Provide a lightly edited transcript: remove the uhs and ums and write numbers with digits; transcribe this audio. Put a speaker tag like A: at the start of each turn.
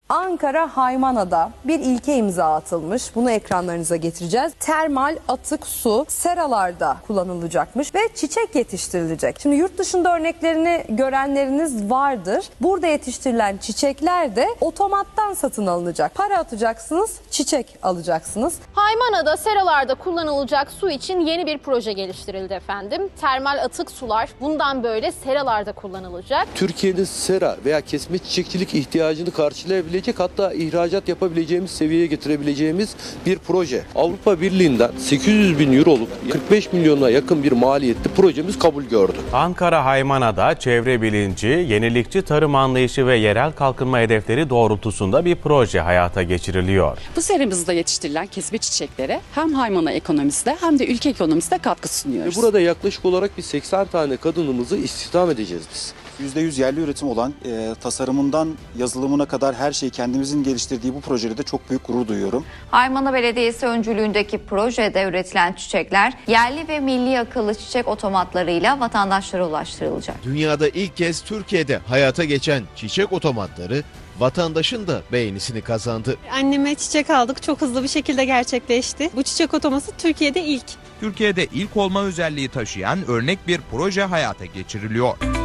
A: Ankara Haymana'da bir ilke imza atılmış. Bunu ekranlarınıza getireceğiz. Termal atık su seralarda kullanılacakmış ve çiçek yetiştirilecek. Şimdi yurt dışında örneklerini görenleriniz vardır. Burada yetiştirilen çiçekler de otomattan satın alınacak. Para atacaksınız, çiçek alacaksınız.
B: Haymana'da seralarda kullanılacak su için yeni bir proje geliştirildi efendim. Termal atık sular bundan böyle seralarda kullanılacak.
C: Türkiye'nin sera veya kesme çiçekçilik ihtiyacını karşılayabilecek, hatta ihracat yapabileceğimiz seviyeye getirebileceğimiz bir proje. Avrupa Birliği'nden 800 bin euroluk 45 milyona yakın bir maliyetli projemiz kabul gördü.
D: Ankara Haymana'da çevre bilinci, yenilikçi tarım anlayışı ve yerel kalkınma hedefleri doğrultusunda bir proje hayata geçiriliyor.
E: Bu seramızda yetiştirilen kesme çiçeklere hem Haymana ekonomisinde hem de ülke ekonomisinde katkı sunuyoruz.
C: Burada yaklaşık olarak bir 80 tane kadınımızı istihdam edeceğiz biz.
F: %100 yerli üretim olan tasarımından yazılımına kadar her şeyi kendimizin geliştirdiği bu projede de çok büyük gurur duyuyorum.
G: Haymana Belediyesi öncülüğündeki projede üretilen çiçekler yerli ve milli akıllı çiçek otomatlarıyla vatandaşlara ulaştırılacak.
H: Dünyada ilk kez Türkiye'de hayata geçen çiçek otomatları vatandaşın da beğenisini kazandı.
I: Anneme çiçek aldık, çok hızlı bir şekilde gerçekleşti. Bu çiçek otoması Türkiye'de ilk.
J: Türkiye'de ilk olma özelliği taşıyan örnek bir proje hayata geçiriliyor.